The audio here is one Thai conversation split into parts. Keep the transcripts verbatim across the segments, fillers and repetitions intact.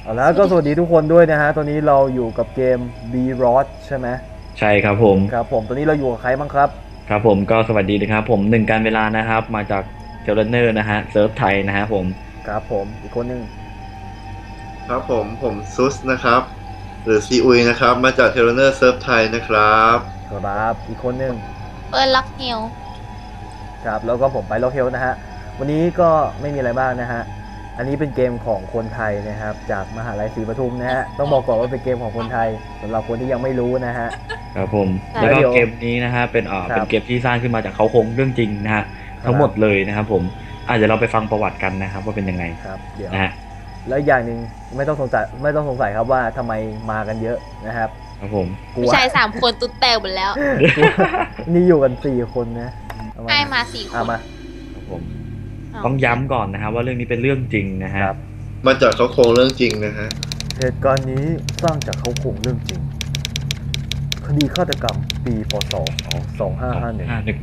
เอาแล้วก็สวัสดีทุกคนด้วยนะฮะตอนนี้เราอยู่กับเกม B Rod ใช่ไหมใช่ครับผมครับผมตอนนี้เราอยู่กับใครบ้างครับครับผมก็สวัสดีนะครับผมหนึ่งการเวลานะครับมาจากเทเลเนอร์นะฮะเซิร์ฟไทยนะฮะผมครับผมอีกคนหนึ่งครับผมผมซุสนะครับหรือซีอุยนะครับมาจากเทเลเนอร์เซิร์ฟไทยนะครับครับอีกคนหนึ่งเปิดล็อกเฮลครับแล้วก็ผมไปโลเคลนะฮะวันนี้ก็ไม่มีอะไรมากนะฮะอันนี้เป็นเกมของคนไทยนะครับจากมหาลัยศรีปทุมนะฮะต้องบอกก่อนว่าเป็นเกมของคนไทยสำหรับคนที่ยังไม่รู้นะฮะครับผมแล้วก็เกมนี้นะฮะเป็นอ่าเป็นเกมที่สร้างขึ้นมาจากเขาโครงเรื่องจริงนะฮะทั้งหมดเลยนะครับผมอาจจะเดี๋ยวเราไปฟังประวัติกันนะครับว่าเป็นยังไงครับเดี๋ยวนะฮะแล้วอย่างหนึ่งไม่ต้องสงสัยไม่ต้องสงสัยครับว่าทำไมมากันเยอะนะครับครับผมกลัผู้วชายสามคนตุ๊ดแตวหมดแล้วนี่อยู่กันสี่คนนะเอามาให้มาสี่คเอานมาครับผมอ้าวต้องย้ำก่อนนะครับว่าเรื่องนี้เป็นเรื่องจริงนะฮะครับมาจากเขาโครงเรื่องจริงนะฮะเหตุการณ์นี้สร้างจากเขาโครงเรื่องจริงคดีฆาตกรรมปีพศสองห้าห้าหนึ่งห้าหนึ่ง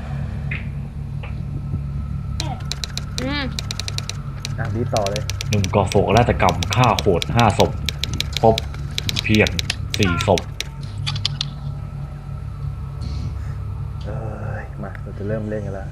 อืมอ่ะดีต่อเลยหนึ่งก่อโศกนาฏกรรมฆ่าโหดห้าศพพบเพียงสี่ศพเอ้ยมาเราจะเริ่มเล่นกันแล้ว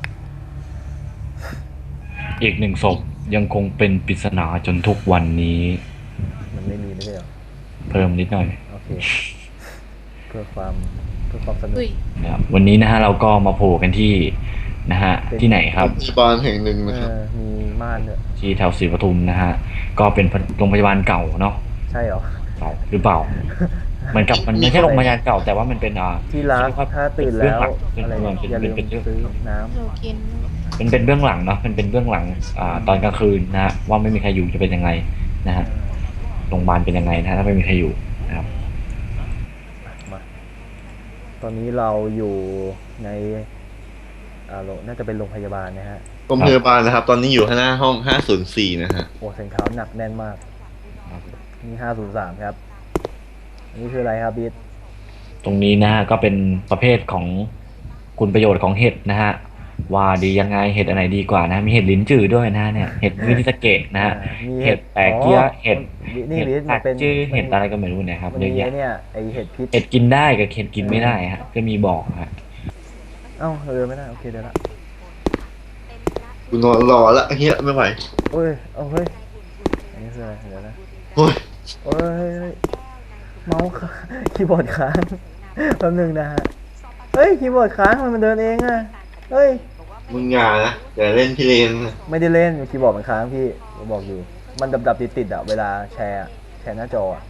อีกหนึ่งศพยังคงเป็นปริศนาจนทุกวันนี้มันไม่มีไม่ใช่เหรอเพิ่มนิดหน่อยโอเคเพื่อความเพื่อความสนุกอุ้ยนะครับวันนี้นะฮะเราก็มาโผล่กันที่นะฮะที่ไหนครับโรงพยาบาลแห่งหนึ่งเอนะครับอมีม่านด้วยที่แถวศรีปทุมนะฮะก็เป็นโรงพยาบาลเก่าเนาะใช่เหรอเก่าหรือเปล่าเหมือนกับมันไม่ใช่โรงพยาบาลเก่าแต่ว่ามันเป็นอ่าที่รักถ้าตื่นแล้วเป็นอะไรเบื้องหลังเป็นอย่าลืมเป็นเป็นซื้อน้หนูกินเป็นเป็นเบื้องหลังเนาะเป็นเป็นเบื้องหลังอ่าตอนกลางคืนนะฮะว่าไม่มีใครอยู่จะเป็นยังไงนะฮะโรงพยาบาลเป็นยังไงนะฮะถ้าไม่มีใครอยู่นะครับำมาตอนนี้เราอยู่ในอ่าโรงน่าจะเป็นโรงพยาบาลนะฮะโรงพยาบาลนะครับตอนนี้อยู่ข้างหน้าห้องห้าศูนย์สี่นะฮะโอ้เสียงเท้าหนักแน่นมากนี่ห้าศูนย์สามครับอันนี้คืออะไรครับบิ๊ดตรงนี้นะฮะก็เป็นประเภทของคุณประโยชน์ของเห็ดนะฮะว่าดียังไงเห็ดอันไหนดีกว่านะมีเห็ดลิ้นจือด้วยนะเนี่ยเห็ดมินิสเกตนะฮะมีเห็ดแปะเกี้ยเห็ดนี่เห็ดบิ๊ดผัมันเป็นดจื้อเห็ดอะไรก็ไม่รู้เนี่ยครับมันเยอะมีแยะเนี่ยไอเห็ดพิษเห็ดกินได้กับเห็ดกินไม่ได้ฮะก็มีบอกฮะเอ้าเออไม่ได้โอเคเดี๋ยวละกูนอนรอละเฮียไม่ไหวโอ้ยเอาเฮ้ยอันนี้คืออะไรเดี๋ยวนะโอ้ยโอ้ยเฮ้ยเมาส์ค้างคีย์บอร์ดค้างแป๊บนึงนะฮะเฮ้ยคีย์บอร์ดค้างมันเดินเองอะเฮ้ยมึงอย่านะอย่าเล่นพี่เลนนะไม่ได้เล่นคีย์บอร์ดมันค้างพี่ผมบอกอยู่มันดับดับติดติดๆอะเวลาแชร์แชร์หน้าจออะ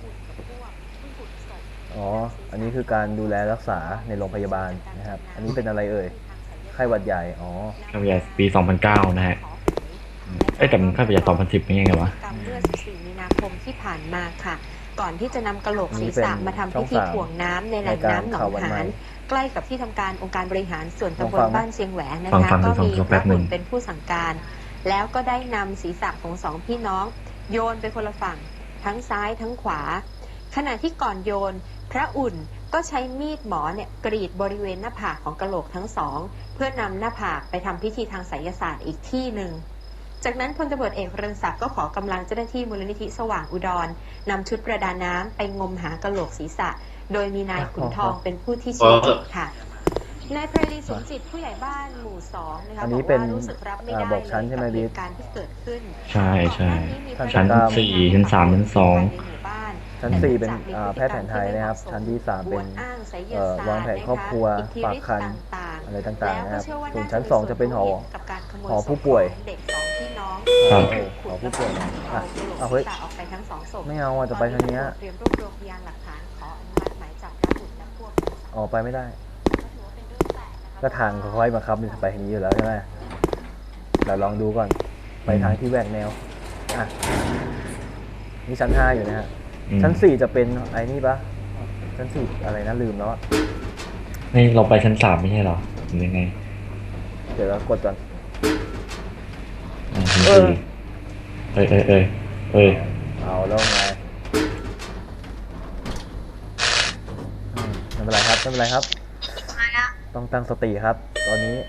อ๋ออันนี้คือการดูแลรักษาในโรงพยาบาลนะครับอันนี้เป็นอะไรเอ่ยไข้หวัดใหญ่อ๋อข้าวใหญ่ปีสองพันเก้านะฮะเอ้ยแต่มันข้าวใหญ่สองพันสิบเป็นยังไงวะกรรมเมื่อสิบสี่มีนาคมที่ผ่านมาค่ะ ก่อนที่จะนำกระโหลกศีรษะมาทำพิธีถ่วงน้ำในแหล่งน้ำหนองหานใกล้กับที่ทำการองค์การบริหารส่วนตำบลบ้านเชียงแหวนนะคะก็มีพระอุ่นเป็นผู้สั่งการ แล้วก็ได้นำศีรษะของสองพี่น้องโยนไปคนละฝั่งทั้งซ้ายทั้งขวา ขณะที่ก่อนโยนพระอุ่นก็ใช้มีดหมอเนี่ยกรีดบริเวณหน้าผากของกะโหลกทั้งสองเพื่อนำหน้าผากไปทำพิธีทางไสยศาสตร์อีกที่หนึ่งจากนั้นพลตำรวจเอกเรืองศักดิ์ก็ขอกำลังเจ้าหน้าที่มูลนิธิสว่างอุดรนำชุดประดาน้ำไปงมหากะโหลกศีรษะโดยมีนายขุนทองเป็นผู้ที่ชี้จุดค่ะนายไพรีสมจิตผู้ใหญ่บ้านหมู่สองนะคะบอกว่ารู้สึกรับไม่ได้เลยกับเหตุการณ์ที่เกิดขึ้นใช่ใช่ชั้นสี่ชั้นสามชั้นสองชั้นสี่เป็นแพทย์แผนไทยนะครับชั้นที่สามเป็นวางแผนครอบครัวฝากคันอะไรต่างๆนะครับส่วนชั้นสองจะเป็นหอหอผู้ป่วยครับหอผู้ป่วยอ่ะเอาเฮ้ยไม่เอาอ่ะจะไปทางนี้ออกไปไม่ได้ก็ทางค่อยๆมาครับมันไปทางนี้อยู่แล้วใช่ไหมเราลองดูก่อนไปทางที่แหวกแนวอ่ะนี่ชั้นห้าอยู่นะฮะชั้นสี่จะเป็นไอ้นี่ปะชั้นสี่อะไรนะลืมแล้วนี่เราไปชั้นสามไม่ใช่หรอหรือยังไงเดี๋ยวเรากดก่อนเออเอ้ยเอ้ยเอ้ยเอ้ยเอาแล้วไงไม่เป็นไรครับไม่เป็นไรครับต้องตั้งสติครับตอนนี้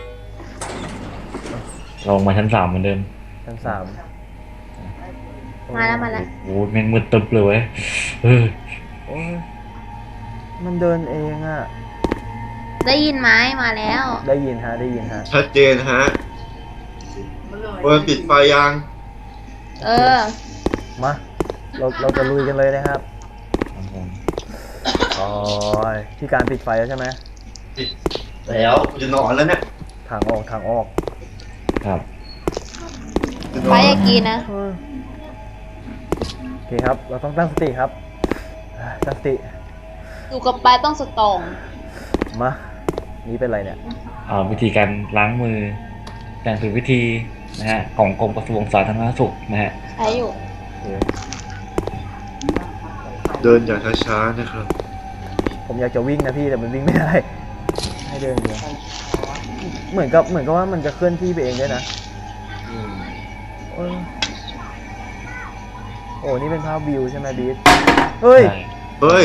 ลงมาชั้นสามเหมือนเดิมชั้นสามโอมาแล้วมาแล้วโอ้โหแม่งมืดตึ๊บเลยเว้ยเออโอ้ยมันเดินเองอะได้ยินไหมมาแล้วได้ยินฮะได้ยินฮะชัดเจนฮะเปิดปิดไฟยังเออมาเราเราจะลุยกันเลยนะครับครับผมโอ้ยที่การปิดไฟแล้วใช่ไหมปิดแล้วจะนอนแล้วเนี่ยทางออกทางออกครับจะนไปอนอยากกินนะเออโอเคครับ เราต้องตั้งสติครับอ่าตั้งสติอยู่กับไปต้องสตรองมานี่เป็นไรเนี่ยอ่าวิธีการล้างมืออย่างถูกวิธีนะฮะของกรมกระทรวงสาธารณสุขนะฮะใช้อยู่โอเคเดินอย่างช้าๆนะครับผมอยากจะวิ่งนะพี่แต่มันวิ่งไม่ได้ ให้เดินเดียวเหมือนกับเหมือนกับว่ามันจะเคลื่อนที่ไปเองด้วยนะเออโอ้นี่เป็นภาพวิวใช่ไหมบีทเฮ้ยใช่เฮ้ย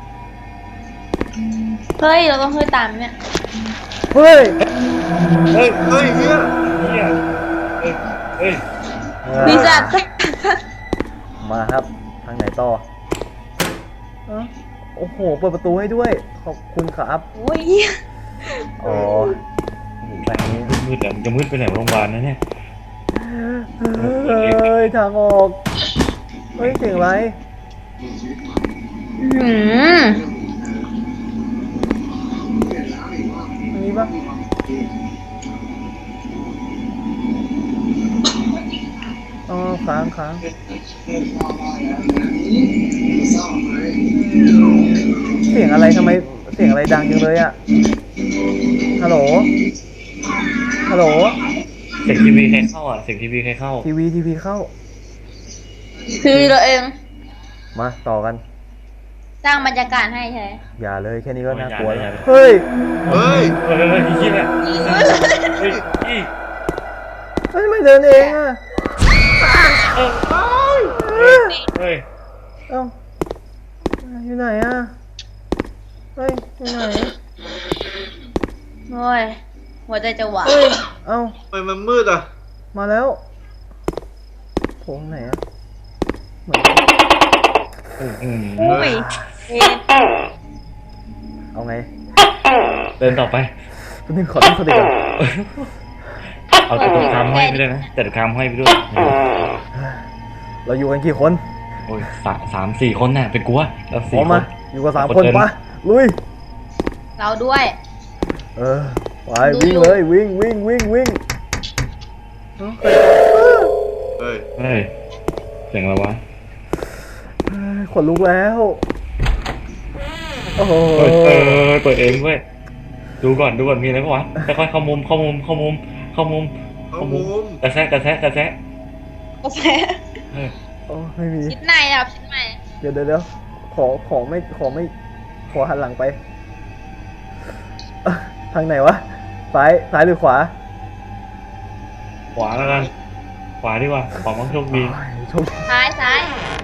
เฮ้ย เราต้องเฮ้ยตามเนี่ยเฮ้ยเฮ้ยเฮ้ยเฮียเฮียเฮ้ยเฮ้ยมีจัดมาครับ ทางไหนต่อเอ้าโอ้โห เปิดประตูให้ด้วย ขอบคุณครับโอ้ยอ๋อโอ้โหแต่อันนี้มืดๆแล้วมันจะมืดไปไหนวะโรงพยาบาลนะเนี่ยเฮ้ย ทางออก เฮ้ย เสียงอะไรหืมอันนี้ปะอ๋อค้างค้างเสียงอะไรทำไม เสียงอะไรดังจังเลยอะฮัลโหล ฮัลโหลเสียงทีวีใครเข้าอ่ะเสียงทีวีใครเข้าทีวีทีวีเข้าคือเราเองมาต่อกันสร้างบรรยากาศให้ใช่ไหมอย่าเลยแค่นี้ก็น่ากลัวอย่าแล้วเลยเฮ้ยเฮ้ยเฮ้ยเฮ้ยเฮ้ยเฮียเนี่ยเฮ้ยอีเฮ้ยทำไมเดินเองอะเฮ้ยเฮ้ยเอ้าอยู่ไหนอะเฮ้ยอยู่ไหนโอ้ย หัวใจจะหวานเฮ้ย เอ้าทำไมมันมืดอ่ะมาแล้วโถงไหนอะเหมือนอืมอุ้ยเอ็ดเอาไงเดินต่อไปคุณนึงขอตั้งสติก่อนเอาแต่ตุกคามห้อยไปด้วยนะแต่ตุกคามห้อยไปด้วยเราอยู่กันกี่คนโอ้ยสามสามสี่คนน่ะเป็นกูวะแล้วพสี่ร้อมคมาน อยู่กันสามคนเดิปะลุยเราด้วยเออไปวิ่งเลยวิ่งวิ่งวิ่งวิ่งเอ้าเฮ้ยเฮ้ยเสียงอะไรวะเฮ้ยขนลุกแล้ว โอ้โหเฮ้ยเออเปิดเองเว้ยดูก่อนดูก่อนมีอะไรปะวะค่อยๆเข้ามุมเข้ามุมเข้ามุมเข้ามุมเข้ามุมกระแซะกระแซะกระแซะโอเคเฮ้ยโอ้ไม่มีชิ้นในนะครับชิ้นในเดี๋ยวเดี๋ยวเดี๋ยวขอขอไม่ขอไม่ขอหันหลังไปเอ้อทางไหนวะซ้ายซ้ายหรือขวาขวาแล้วกันขวาดีกว่าขอมั่งโชคดีโอ้ยโชคดีซ้ายซ้าย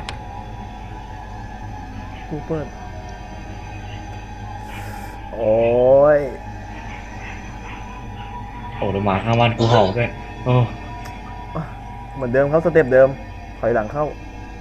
กูเปิดโอ้ยโอ้เดี๋ยวหมาข้างบ้านกูเห่าด้วยโอ้เหมือนเดิมครับสเต็ปเดิมถอยหลังเข้า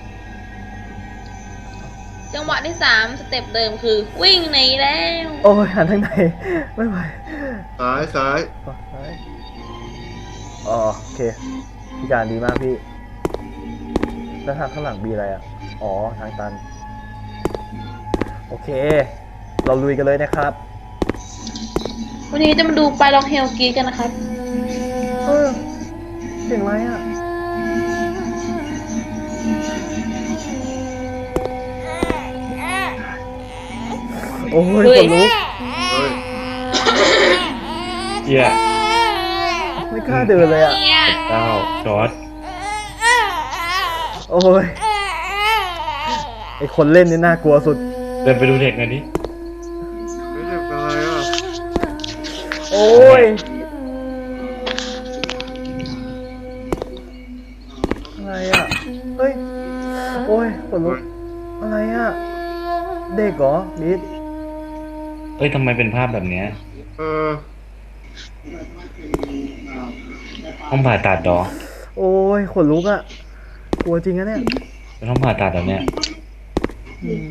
จังหวะที่สามสเต็ปเดิมคือ วิ่งหนีแล้วโอ้ยหันทางไหนไม่ไหวซ้ายซ้ายฝั่งซ้ายอ๋อโอเคพี่การดีมากพี่แล้วทางข้างหลังมีอะไรอ่ะอ๋อทางตันโอเค เราลุยกันเลยนะครับวันนี้จะมาดูไปลองเฮลกีกันนะครับเออเสียงอะไรอ่ะโอ้ยเฮ้ขยนลุกเฮ้ยเหี้ยไม่กล้าเดินเลยอ่ะเนี่ยเก้าจอร์ดโอ้ยไอคนเล่นนี่น่ากลัวสุดเดินไปดูเด็กหน่อยดิไม่เด็กเป็นไรอ่ะโอ้ยอะไรอ่ะเฮ้ยโอ้ยขนลุกอะไรอ่ะเด็กเหรอลิศเอ้ยทำไมเป็นภาพแบบเนี้ยเออห้องผ่าตัดดอโอ้ยขนลุกอ่ะกลัวจริงนะเนี่ยจะต้องผ่าตัดแบบเนี้ยอืม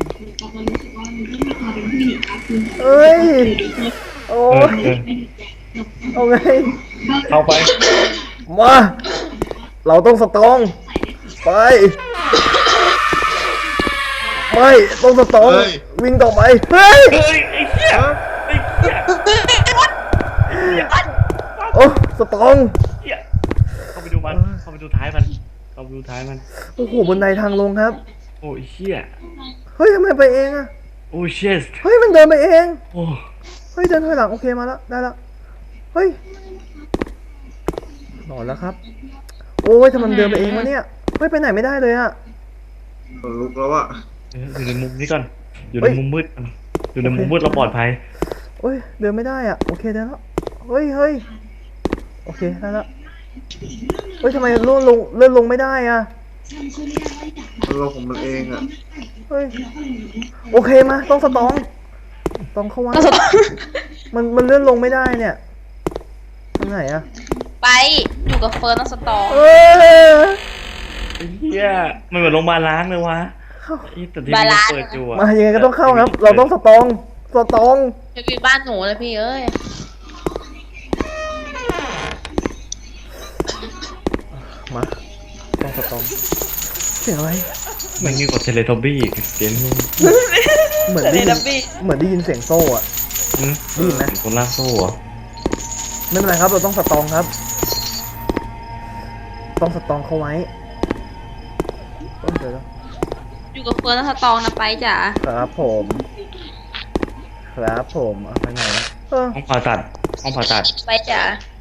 เอ้ยโอ้เออย เออเอาไงเข้าไปมาเราต้องสตรองไปไม่ต้องสตรองเฮ้ยวิ่งต่อไปเฮ้ยเฮ้ยไอ้เหี้ยไอ้เหี้ยโอ้สตรองเหี้ยเข้าไปดูมันเข้าไปดูท้ายมันเข้าไปดูท้ายมันโอ้โหบนไดทางลงครับโอ้ยเหี้ยเฮ้ยทำไมไปเองอะโอ้ยเชี่ยเฮ้ยมันเดินไปเองโอ้เฮ้ยเดินถอยหลังโอเคมาแล้วได้แล้วเฮ้ยนอนแล้วครับโอ้ยทำไมมันเดินไปเองวะเนี่ยเฮ้ยไปไหนไม่ได้เลยอะขนลุกแล้วอะเอออยู่ในมุมนี้ก่อน อยู่เฮ้ในยมุมมืดก่อนอยู่ในมุมมืดเราปลอดภัยเฮ้ยเดินไม่ได้อะโอเคได้แล้วเฮ้ยเฮ้ยโอเคได้แล้วเฮ้ยทำไมเลื่อนลงเลื่อนลงไม่ได้อะมันลงของมันเองอะเฮ้ยโอเคมาต้องสตองต้องเข้าไว้ต้องสตองมันมันเลื่อนลงไม่ได้เนี่ยทางไหนอะไปอยู่กับเฟิร์นต้องสตองเอ้ยไอ้เหี้ยมันเหมือนโรงพยาบาลล้างเลยวะเข้าไอ้แต่ที่มันเปิดอยู่อะมายังไงก็ต้องเข้าครับ เราต้องสตองสตองจะไปบ้านหนูเลยพี่เอ้ยมาต้องสตองเสียงอะไรมันยิ่งกว่าเทเลทอบบี้อีกเกมนี้เหมือนได้ยินเหมือนได้ยินเสียงโซ่อะอืมได้ยินไหมคนลากโซ่เหรอไม่เป็นไรครับเราต้องสตองครับ ต้องสตองเขาไว้เดี๋ยวนะอยู่กับเฟิร์นต้องสตองนะไปจ๋าครับผมครับผมเอาไปไหนนะเออห้องผ่าตัดห้องผ่าตัดไปจ๋า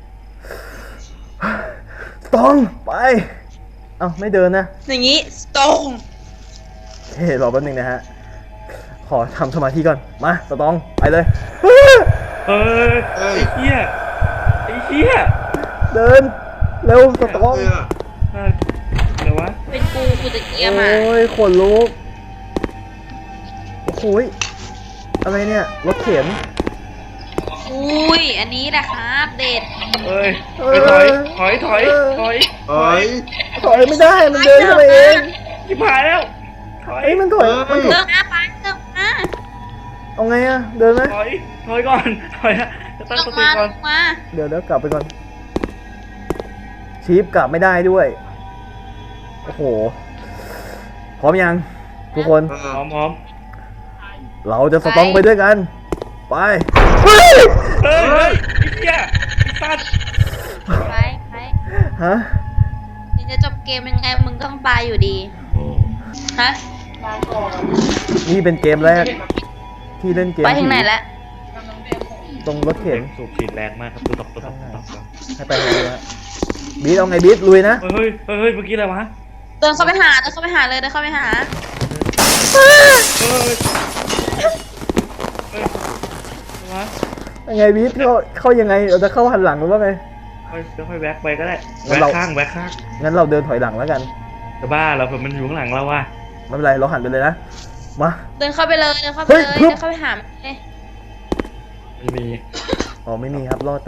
สตองไปเอ้าไม่เดินนะอย่างงี้สตองเฮ้ยรอแป๊บนึงนะฮะขอทำสมาธิก่อนมาสตองไปเลยเอ้ยไอ้เหี้ยไอ้เหี้ยเดินเร็วสตองเลยอะเอ้ยเดี๋ยววะเป็นกูกูจะเกียร์มาโอ้ยขนลุกโอ้โหยอะไรเนี่ยรถเข็นอุ้ยอันนี้แหละครับเด็ดเอ้ยไปถอยถอยถอยถอยถอยถอยไม่ได้มันเดินเข้าไปเองชิบหายแล้วถอยเอ้ยมันถอยมันถเดิอยนหน้าไปเดินหน้าเอาไงอะเดินไหมถอยถอยก่อนถอยอะจะตั้งลสงติมาก่ลอนงมาเดี๋ยวเดี๋ยวกลับไปก่อนชีฟกลับไม่ได้ด้วยโอ้โหพร้อมยังทุกคนอ่าพร้อมพร้อมเราจะสตองไปด้วยกัน ไปเฮ้ยเฮ้ยเฮ้ยไอ้เหี้ยไอ้สัตว์ไปไปฮะถึงจะจบเกมยังไงมึงต้องตายอยู่ดีโอ้ฮะนี่เป็นเกมแรก ที่เล่นเกมไปถึงไหนแล้วตรงรถเข็นสูบฉีดแรงมากครับตุ๊บตับตุ๊บตับตุ๊บตับให้ไปทางนี้ฮะบีทเอาไงบีทลุยนะเฮ้ยเฮ้ยเฮ้ยเมื่อกี้อะไรวะเดินเข้าไปหาเดินเข้าไปหาเลยเดินเข้าไปหาเฮ้ยเฮ้ยเฮ้ยอะไรวะยังไงบีทเข้าเข้ายังไงเราจะเข้าหันหลังหรือว่าไงค่อยค่อยแวกไปก็ได้งั้แวน กเราข้างแวกข้างงั้นเราเดินถอยหลังแล้วกันจะบ้าเราเผื่อมันอยู่ข้างหลังเราว่ะไม่เป็นไรเราหันไปเลยนะมาเดินเข้าไปเลยเดินเข้าไปเฮ้เลย ยฮึบเดินเข้าไปหามันเลยไม่มีอ๋อไม่มีครับรอดไป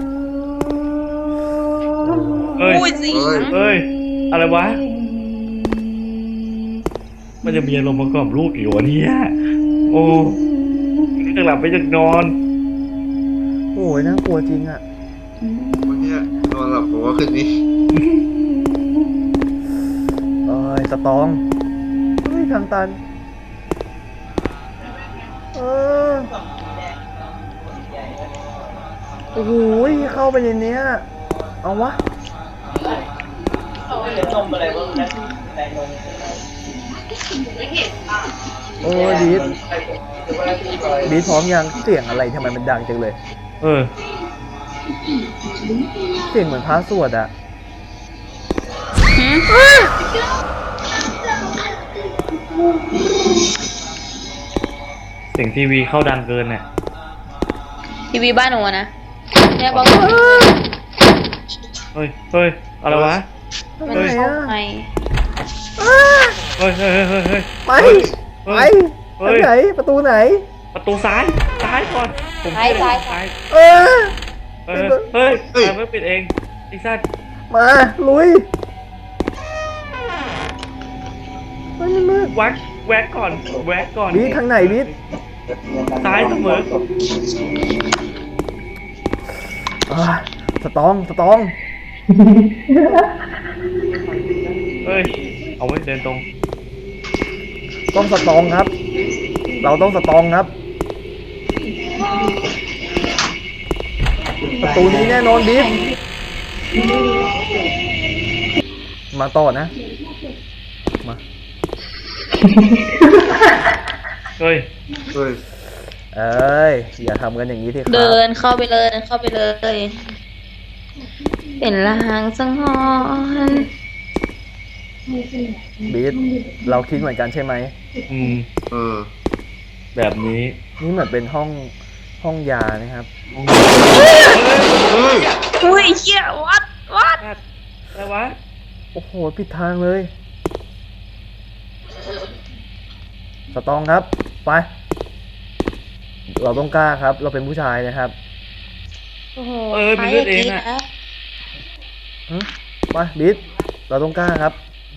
เฮ้ยอุ้ยเสียงเฮ้ยอะไรวะมันจะมีอารมณ์ประกอบลูกอยู่วะเนี่ยโอ้จะหลับไปจะนอนโอ้ยน่ากลัวจริงอ่ะวันเนี้ยนอนหลับผมว่าคืนนี้เอ้ยสตองเฮ้ยทางตันเออโอ้โหเข้าไปในเนี้ยเอาวะโอ้ยบีทบีทพร้อมยังเสียงอะไรทำไมมันดังจังเลยเออเสียงเหมือนพระสวดอะเสียงทีวีเข้าดังเกินเนี่ยทีวีบ้านหนูอะนะเนี่ยบอกเฮ้ยเฮ้ยอะไรวะทำมันไมเข้าอะไปเฮ้ยเฮ้ยเฮ้ยเฮ้ยเฮ้ยไปเฮ้ไปยทางไหนประตูไหนประตูซ้ายซ้ายก่อนผมซ้ายซ้ายซ้ายเออเฮ้ยเฮ้ยทำไมปิดเองไอ้สัตว์มาลุยฮ้ยมันมืดแวกแวกก่อนแวกก่อนบีททางไหนบีทซ้ายเสมออ่าสตองสตองเฮ้ยเอาไว้เดินตรงต้องสตองครับ เราต้องสตองครับ ประตูนี้แน่นอนบีทมาต่อนะ มาเฮ้ยเฮ้ยเอ้ย อย่าทำกันอย่างนี้ที่ครับเดินเข้าไปเลยเดินเข้าไปเลย เป็นลางสังหรณ์บีทเราคิดเหมือนกันใช่ไหมอืมเออแบบนี้นี่เหมือนเป็นห้องห้องยานะครับเฮ้ยอุ้ยเชี่ยวัดวัดอะไรวะโอ้โหผิดทางเลย สตองครับ ไป เราต้องกล้าครับ เราเป็นผู้ชายนะครับโอ้โหเออเป็นเลือดเองอะนะหึไปบีทเราต้องกล้าครับ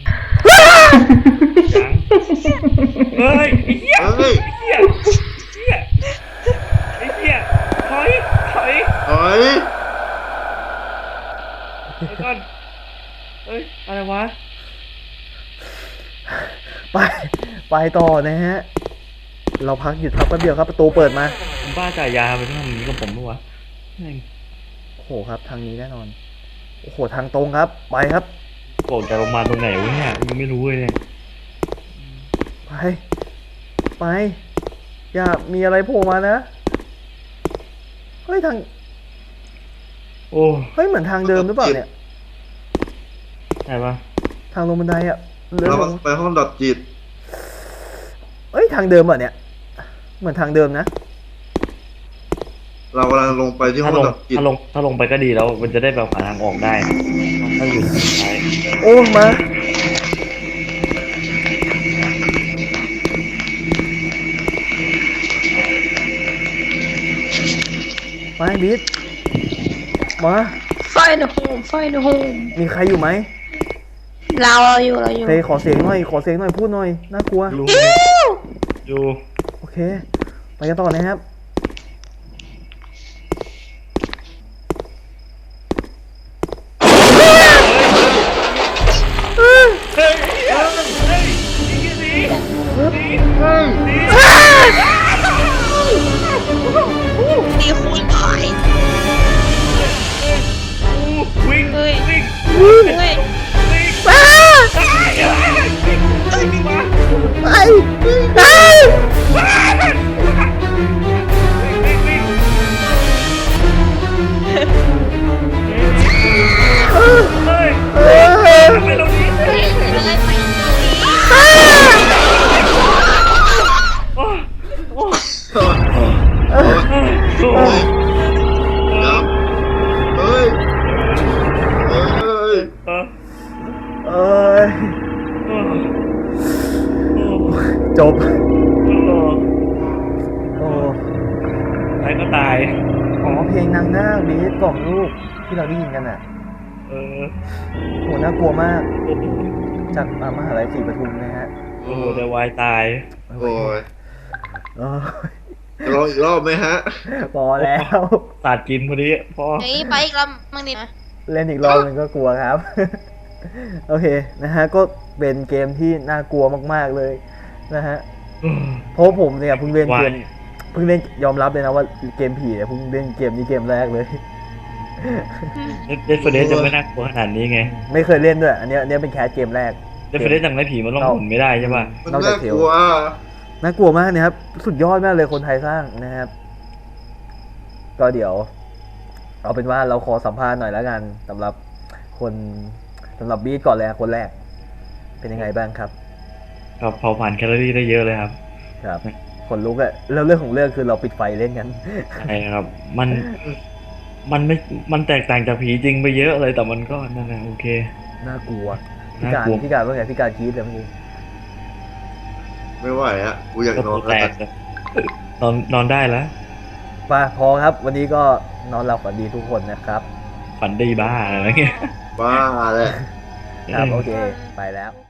ยังเฮ้ยไอ้เหี้ยเฮ้ยไอ้เหี้ยไอ้เหี้ยไอ้เหี้ยถอยถอยเฮ้ยเดี๋ยวก่อนเฮ้ยอะไรวะไป ไปต่อนะฮะ เราพักหยุดพักแป๊บเดียวครับ ประตูเปิดมาผมบ้าจ่ายยาไปที่ทำอย่างนี้กับผมปะวะแม่งโอ้โหครับ ทางนี้แน่นอน โอ้โห ทางตรงครับ ไปครับโกรธจากโรงพยาบาลตรงไหนวะเนี่ยยังไม่รู้เลยเนี่ยไป ไป อย่ามีอะไรโผล่มานะ เฮ้ย ทางโอ้เฮ้ย เหมือนทางเดิมหรือเปล่าเนี่ยไหนวะทางลงบันไดอะเลื่อนเราลงไปห้องดับจิตเอ้ย ทางเดิมเหรอเนี่ย เหมือนทางเดิมนะเรากำลังลงไปที่ห้ถ้าองลงดับจิตถ้าลงถ้าลงไปก็ดีแล้วมันจะได้แบบหาทางออกได้ถ้าอยู่ทางซ้ายโอ้ มา ไปบีทมาไฟในโฮมไฟในโฮมมีใครอยู่ไหมเราเราอยู่เราอยู่เฟยขอเสียงหน่อย ขอเสียงหน่อย พูดหน่อย น่ากลัวอยู่อยู่โอเค ไปกันต่อนะครับเฮ้ยเฮ้ยเฮ้ยหนีหนีหนีตีคุยบ่อยวิ่งเฮ้ยวิ่งเฮ้ยวิ่งอ้าเฮ้ยมีวะไปอ้าวิ่งวิ่งเออเฮ้ยเออทำไมเราหนีเฮ้ยเลยไปโอ้โอ้เออโอ้ครับเฮ้ย เฮ้ยเออเอ้ยเออโอ้จบโอ้โอ้ตายก็ตายอ๋อเพลงนางนาคบีทกล่อมลูกที่เราได้ยินกันอ่ะเออโหน่ากลัวมากโอ้โหจากอ่ามหาลัยศรีปทุมนะฮะโอ้โหแต่วายตายโอ้ยเอ้ยจะลองอีกรอบไหมฮะพอแล้วสาดกินพอดีพอเฮ้ยไปอีกลำมั่งดินะเล่นอีกรอบนึงก็กลัวครับ โอเคนะฮะก็เป็นเกมที่น่ากลัวมากๆเลยนะฮะเพราะผมเนี่ยเพิ่งเล่นเกมวายเพิ่งเล่นยอมรับเลยนะว่าเกมผีเนี่ยเพิ่งเล่นเกมนี้เกมแรกเลยเดฟเฟเดสจะไม่น่ากลัวขนาดนี้ไงไม่เคยเล่นด้วย อันเนี้ยอันเนี้ยเป็นแคสเกมแรกเดฟเฟเดสยังไงผีมันล่องหนไม่ได้ใช่ป่ะมันนอกจาน่ากเทลกลัวน่ากลัวมากนะครับ สุดยอดมากเลยคนไทยสร้างนะครับ ก็เดี๋ยว เอาเป็นว่าเราขอสัมภาษณ์หน่อยแล้วกันสำหรับคนสำหรับบีทก่อนเลยอะคนแรก เป็นยังไงบ้างครับก็เผาผ่านแคลอรี่ได้เยอะเลยครับครับคนลุกอะแล้วเรื่องของเรื่องคือเราปิดไฟเล่นกันใช่ครับ มัน มันไม่ มันแตกต่างจากผีจริงไปเยอะเลย แต่มันก็นั่นแหละโอเคน่ากลัวพี่น่าการกลัวพี่การว่าไงพี่การคิดเลยเมื่อกี้ไม่ไหวฮะ กูอยากก็นอตันวแตแล้วกเลยนอนนอนได้แล้วมาพอครับ วันนี้ก็นอนหลับฝันดีทุกคนนะครับฝันดีบ้าอะไรเงี้ยบ้าแหละครับโอเค ไปแล้ว